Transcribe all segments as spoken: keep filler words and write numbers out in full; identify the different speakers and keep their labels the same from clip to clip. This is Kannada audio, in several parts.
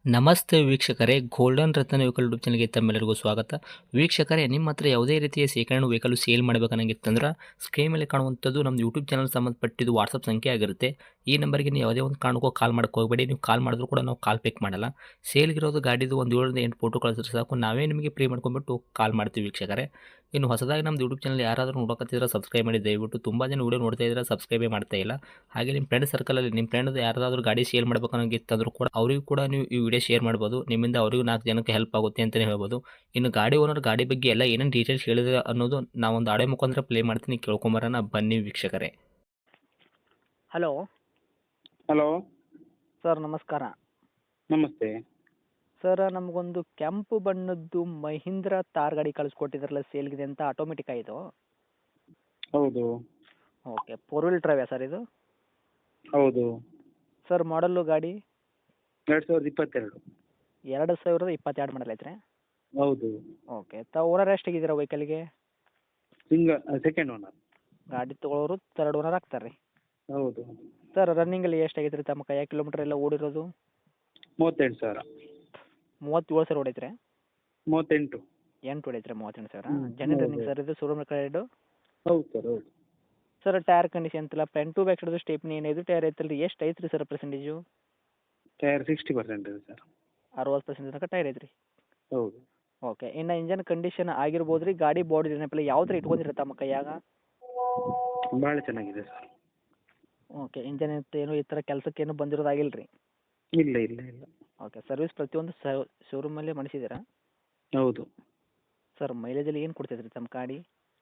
Speaker 1: ನಮಸ್ತೆ ವೀಕ್ಷಕರೇ, ಗೋಲ್ಡನ್ ರತ್ನ ವೆಹಿಕಲ್ ಯೂಟ್ಯೂಬ್ ಚಾನಲ್ಗೆ ತಮ್ಮೆಲ್ಲರಿಗೂ ಸ್ವಾಗತ. ವೀಕ್ಷಕರೇ, ನಿಮ್ಮ ಹತ್ರ ಯಾವುದೇ ರೀತಿಯ ಶೇಖರಣೆ ವೆಹಿಕಲ್ ಸೇಲ್ ಮಾಡಬೇಕನ್ನಂಗಿತ್ತಂದ್ರೆ ಸ್ಕ್ರೀನ್ ಮೇಲೆ ಕಾಣುವಂಥದ್ದು ನಮ್ಮ ಯೂಟ್ಯೂಬ್ ಚಾನಲ್ ಸಂಬಂಧಪಟ್ಟಿದ್ದು ವಾಟ್ಸಪ್ ಸಂಖ್ಯೆ ಆಗಿರುತ್ತೆ. ಈ ನಂಬರ್ಗೆ ನೀವು ಯಾವುದೇ ಒಂದು ಕಾರಣಕ್ಕೂ ಕಾಲ್ ಮಾಡಕ್ಕೆ ಹೋಗಬೇಡಿ. ನೀವು ಕಾಲ್ ಮಾಡಿದ್ರು ಕೂಡ ನಾವು ಕಾಲ್ ಪಿಕ್ ಮಾಡಲ್ಲ. ಸೇಲ್ಗಿರೋದು ಗಾಡಿದು ಒಂದು ಏಳರಿಂದ ಎಂಟು ಫೋಟೋ ಕಳಿಸಿದ್ರೆ ಸಾಕು, ನಾವೇ ನಿಮಗೆ ಪ್ರೀ ಮಾಡ್ಕೊಂಡ್ಬಿಟ್ಟು ಕಾಲ್ ಮಾಡ್ತೀವಿ ವೀಕ್ಷಕರೇ. ಇನ್ನು ಹೊಸದಾಗಿ ನಮ್ಮದು ಯೂಟ್ಯೂಬ್ ಚಾನಲ್ ಯಾರಾದರೂ ನೋಡೋಕತ್ತಿದ್ರೆ ಸಬ್ಸ್ಕ್ರೈಬ್ ಮಾಡಿ ದಯವಿಟ್ಟು. ತುಂಬ ಜನ ವೀಡಿಯೋ ನೋಡ್ತಾ ಇದ್ದಾರೆ, ಸಬ್ಸ್ಕ್ರೈಬೇ ಮಾಡ್ತಾ ಇಲ್ಲ. ಹಾಗೆ ನಿಮ್ಮ ಫ್ರೆಂಡ್ ಸರ್ಕಲಲ್ಲಿ ನಿಮ್ಮ ಫ್ರೆಂಡ್ ಯಾರಾದರೂ ಗಾಡಿ ಸೇಲ್ ಮಾಡಬೇಕನ್ನೋಂಗಿತ್ತಂದ್ರೂ ಕೂಡ ಅವರಿಗೂ ಕೂಡ ನೀವು ಈ ವಿಡಿಯೋ ಶೇರ್ ಮಾಡ್ಬೋದು. ನಿಮ್ಮಿಂದ ಅವರಿಗೂ ನಾಲ್ಕು ಜನಕ್ಕೆ ಹೆಲ್ಪ್ ಆಗುತ್ತೆ ಅಂತಲೇ ಹೇಳ್ಬೋದು. ಇನ್ನು ಗಾಡಿ ಓನರ್ ಗಾಡಿ ಬಗ್ಗೆ ಎಲ್ಲ ಏನೇನು ಡೀಟೇಲ್ಸ್ ಹೇಳಿದ್ರೆ ಅನ್ನೋದು ನಾವೊಂದು ಆಡೆ ಮುಖಾಂತರ ಪ್ಲೇ ಮಾಡ್ತೀನಿ, ಕೇಳ್ಕೊಂಬರೋಣ ಬನ್ನಿ ವೀಕ್ಷಕರೇ.
Speaker 2: ಹಲೋ
Speaker 3: ಹಲೋ
Speaker 2: ಸರ್, ನಮಸ್ಕಾರ.
Speaker 3: ನಮಸ್ತೆ.
Speaker 2: ಸರ್, ನಮಗೊಂದು ಕೆಂಪು ಬಣ್ಣದ್ದು ಮಹೀಂದ್ರ ತಾರ್ ಗಾಡಿ ಕಳಿಸ್ಕೊಟ್ಟಿದ್ರಲ್ಲ, ಸೇಲ್ಗಿದೆ ಅಂತ. ಆಟೋಮೆಟಿಕ್ ಇದು?
Speaker 3: ಹೌದು
Speaker 2: ಓಕೆ. ಫೋರ್ ವೀಲ್ ಡ್ರೈವಾ ಸರ್ ಇದು?
Speaker 3: ಹೌದು.
Speaker 2: ಸರ್, ಮಾಡಲ್ಲು ಗಾಡಿ
Speaker 3: ಎರಡು ಸಾವಿರದ ಇಪ್ಪತ್ತೆರಡು.
Speaker 2: ಎರಡು ಸಾವಿರದ ಇಪ್ಪತ್ತೆರಡು ಮಾಡಲ್ ಐತ್ರಿ?
Speaker 3: ಹೌದು.
Speaker 2: ಓಕೆ. ತಾವು ಓನರ್ ಎಷ್ಟಾಗಿದ್ದೀರಾ ವೆಹಿಕಲ್ಗೆ?
Speaker 3: Single second owner.
Speaker 2: ಗಾಡಿ ತೊಗೊಳೋರು ತರ್ಡ್ ಓನರ್ ಆಗ್ತಾರೆ ರೀ?
Speaker 3: ಹೌದು.
Speaker 2: ಸರ್, ರನ್ನಿಂಗಲ್ಲಿ ಎಷ್ಟಾಗೈತೆ ರೀ ತಮ್ಮ ಕೈಯಾಗ ಕಿಲೋಮೀಟ್ರ್ ಎಲ್ಲ ಓಡಿರೋದು?
Speaker 3: ಮೂವತ್ತೆಂಟು ಸಾವಿರ.
Speaker 2: ಮೂವತ್ತೇಳು ಸಾವಿರ ಓಡೈತ್ರಿ?
Speaker 3: ಮೂವತ್ತೆಂಟು.
Speaker 2: ಎಂಟು ಹೊಡೈತ್ರಿ? ಮೂವತ್ತೆಂಟು ಸಾವಿರ.
Speaker 3: ಹ್ಮ್.
Speaker 2: ಜೆನ್ಯೂನ್
Speaker 3: ಹೌದು.
Speaker 2: ರನ್ನಿಂಗ್ ಸರ್ ಇದು? Showroom record?
Speaker 3: ಹೌದು ಸರ್, ಹೌದು.
Speaker 2: ಸರ್, ಟೈರ್ ಕಂಡೀಷನ್ ಅಂತಿಲ್ಲ, front to back side stepney ಏನಿದು ಟೈರ್ ಐತಲ್ಲ ರೀ, ಎಷ್ಟು ಐತ್ರಿ sir percentage?
Speaker 3: Tyre sixty percent ಇದೆ ಸರ್.
Speaker 2: ಅರವತ್ತು ಪರ್ಸೆಂಟ್ ತನಕ ಟೈರ್ ಐತ್ರಿ?
Speaker 3: ಹೌದು.
Speaker 2: ಓಕೆ. ಇನ್ನು ಇಂಜನ್ ಕಂಡೀಷನ್ ಆಗಿರ್ಬೋದು ರೀ, ಗಾಡಿ ಬಾಡಿ ನೆನಪಿಲ್ಲ ಯಾವ ಥರ ಇಟ್ಕೊಂಡಿರ ತಮ್ಮ ಕೈಯಾಗ?
Speaker 3: ಭಾಳ ಚೆನ್ನಾಗಿದೆ ಸರ್.
Speaker 2: ಓಕೆ. ಇಂಜನ್ ಏನು ಈ ಥರ ಕೆಲಸಕ್ಕೆ ಏನು ಬಂದಿರೋದಾಗಿಲ್ಲ ರೀ?
Speaker 3: ಇಲ್ಲ ಇಲ್ಲ ಇಲ್ಲ.
Speaker 2: ಓಕೆ. ಸರ್ವಿಸ್ ಪ್ರತಿಯೊಂದು ಶೋರೂಮಲ್ಲೇ ಮಾಡಿಸಿದ್ದೀರಾ?
Speaker 3: ಹೌದು.
Speaker 2: ಸರ್, ಮೈಲೇಜಲ್ಲಿ ಏನು ಕೊಡ್ತೈತೆ ರೀ ತಮ್ಮ ಗಾಡಿ?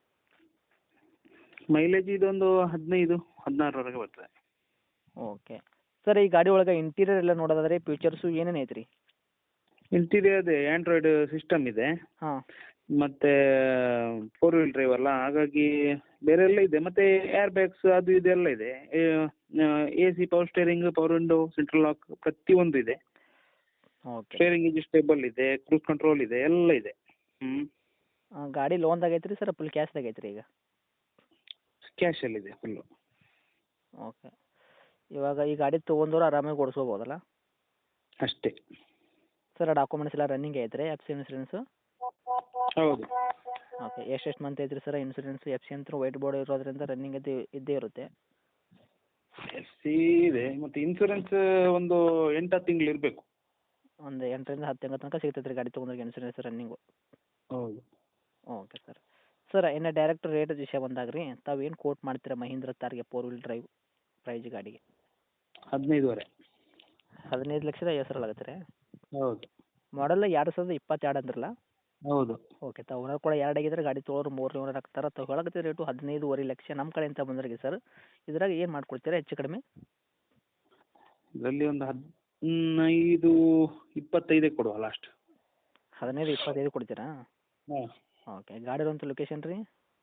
Speaker 3: ಮೈಲೇಜ್ ಇದೊಂದು ಹದಿನೈದು ಹದಿನಾರರವರೆಗೆ ಬರ್ತದೆ.
Speaker 2: ಓಕೆ. ಸರ್, ಈ ಗಾಡಿ ಒಳಗೆ ಇಂಟೀರಿಯರ್ ಎಲ್ಲ ನೋಡೋದಾದ್ರೆ ಫೀಚರ್ಸು ಏನೇನು ಐತೆ ರೀ?
Speaker 3: ಇಂಟೀರಿಯರ್ ಅದೇ ಆ್ಯಂಡ್ರಾಯ್ಡ್ ಸಿಸ್ಟಮ್ ಇದೆ.
Speaker 2: ಹಾಂ.
Speaker 3: ಮತ್ತೆ ಫೋರ್ ವೀಲ್ ಡ್ರೈವ್ ಅಲ್ಲ, ಹಾಗಾಗಿ ಬೇರೆ ಎಲ್ಲ ಇದೆ. ಮತ್ತೆ ಏರ್ ಬ್ಯಾಗ್ಸ್ ಅದು ಇದೆಲ್ಲ ಇದೆ. A C, power steering, power window, central lock ಪ್ರತಿಯೊಂದು ಇದೆ.
Speaker 2: ಓಕೆ.
Speaker 3: ಸ್ಟೇರಿಂಗ್ ಅಡ್ಜಸ್ಟೇಬಲ್ ಇದೆ, ಕ್ರೂಸ್ ಕಂಟ್ರೋಲ್ ಇದೆ, ಎಲ್ಲ ಇದೆ. ಹ್ಞೂ.
Speaker 2: ಗಾಡಿ ಲೋನ್ದಾಗ ಐತೆ ರೀ ಸರ್, ಫುಲ್ ಕ್ಯಾಶ್ದಾಗ ಐತೆ ರೀ ಈಗ?
Speaker 3: ಕ್ಯಾಶಲ್ಲಿದೆ ಫುಲ್ಲು.
Speaker 2: ಓಕೆ. ಇವಾಗ ಈ ಗಾಡಿ ತೊಗೊಂಡವ್ರು ಆರಾಮಾಗಿ ಓಡಿಸ್ಕೋಬೋದಲ್ಲ?
Speaker 3: ಅಷ್ಟೇ.
Speaker 2: ಸರ್, ಡಾಕ್ಯುಮೆಂಟ್ಸ್ ಎಲ್ಲ ರನ್ನಿಂಗ್ ಐತೆ ರೀ? F C insurance?
Speaker 3: ಹೌದು.
Speaker 2: ಓಕೆ. ಎಷ್ಟೆಷ್ಟು ಮಂತ್ ಐತ್ರಿ ಸರ್ ಇನ್ಸೂರೆನ್ಸ್? ಎಫ್ ಸಿ ಅಂತ ವೈಟ್ ಬೋರ್ಡ್ ಇರೋದ್ರಿಂದ ರನ್ನಿಂಗ್ ಇದ್ದೇ ಇದ್ದೇ ಇರುತ್ತೆ?
Speaker 3: ಎಫ್ ಸಿ ಇದೆ, ಮತ್ತು ಇನ್ಸೂರೆನ್ಸ್ ಒಂದು ಎಂಟು ಹತ್ತು ತಿಂಗಳು ಇರಬೇಕು.
Speaker 2: ಒಂದು ಎಂಟರಿಂದ ಹತ್ತು ತಿಂಗಳ ತನಕ ಸಿಗ್ತೈತೆ ರೀ ಗಾಡಿ ತೊಗೊಂಡ್ರೆ ಇನ್ಸೂರೆನ್ಸ್ ರನ್ನಿಂಗು?
Speaker 3: ಹೌದು.
Speaker 2: Okay sir. ಸರ್, ಇನ್ನು ಡೈರೆಕ್ಟ್ ರೇಟ್ ವಿಷಯ ಬಂದಾಗ ರೀ, ತಾವು ಏನು ಕೋಟ್ ಮಾಡ್ತೀರಾ ಮಹೀಂದ್ರ ತಾರ್ಗೆ ಫೋರ್ ವೀಲ್ ಡ್ರೈವ್ ಪ್ರೈಜ್ ಗಾಡಿಗೆ?
Speaker 3: ಹದಿನೈದುವರೆ.
Speaker 2: ಹದಿನೈದು ಲಕ್ಷದ ಐವತ್ತು ಸಾವಿರ ಆಗುತ್ತೆ ರೀ?
Speaker 3: ಹೌದು.
Speaker 2: ಮಾಡಲ್ಲ ಎರಡು ಸಾವಿರದ ಇಪ್ಪತ್ತೆರಡು ಅಂದ್ರಲ್ಲ?
Speaker 3: ಹೌದು.
Speaker 2: ಓಕೆ. ತಾವು ಓನರ್ ಕೂಡ ಎರಡು ಆಗಿದ್ರೆ ಗಾಡಿ ತೊಗೊಳೋರು ಮೂರನೇ ಓನರ್ ಆಗ್ತಾರೆ. ತಾವು ಹೇಳಕತ್ತಿದ ರೇಟು ಹದಿನೈದುವರೆ ಲಕ್ಷ. ನಮ್ಮ ಕಡೆಯಿಂದ ಬಂದ್ರಿಗೆ ಸರ್, ಇದ್ರಾಗ ಏನು ಮಾಡ್ಕೊಡ್ತೀರಾ ಹೆಚ್ಚು ಕಡಿಮೆ?
Speaker 3: ಇದರಲ್ಲಿ ಒಂದು ಹದಿನೈದು ಇಪ್ಪತ್ತೈದಕ್ಕೆ ಕೊಡುವ ಲಾಸ್ಟ್.
Speaker 2: ಹದಿನೈದು ಇಪ್ಪತ್ತೈದು ಕೊಡ್ತೀರಾ?
Speaker 3: ಹಾಂ.
Speaker 2: ಓಕೆ. ಗಾಡಿ ಇರುವಂಥ ಲೊಕೇಶನ್ ರೀ?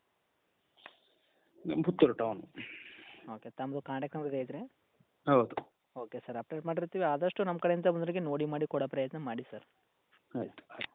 Speaker 3: ಪುತ್ತೂರು ಟೌನು.
Speaker 2: ಓಕೆ. ತಮ್ಮದು ಕಾಂಟ್ಯಾಕ್ಟ್ ನಂಬರ್ ಐತ್ರಿ?
Speaker 3: ಹೌದು.
Speaker 2: ಓಕೆ ಸರ್, ಅಪ್ಡೇಟ್ ಮಾಡಿರ್ತೀವಿ. ಆದಷ್ಟು ನಮ್ಮ ಕಡೆಯಿಂದ ಬಂದವರಿಗೆ ನೋಡಿ ಮಾಡಿ ಕೊಡೋ ಪ್ರಯತ್ನ ಮಾಡಿ ಸರ್.
Speaker 3: ಆಯಿತು ಆಯಿತು.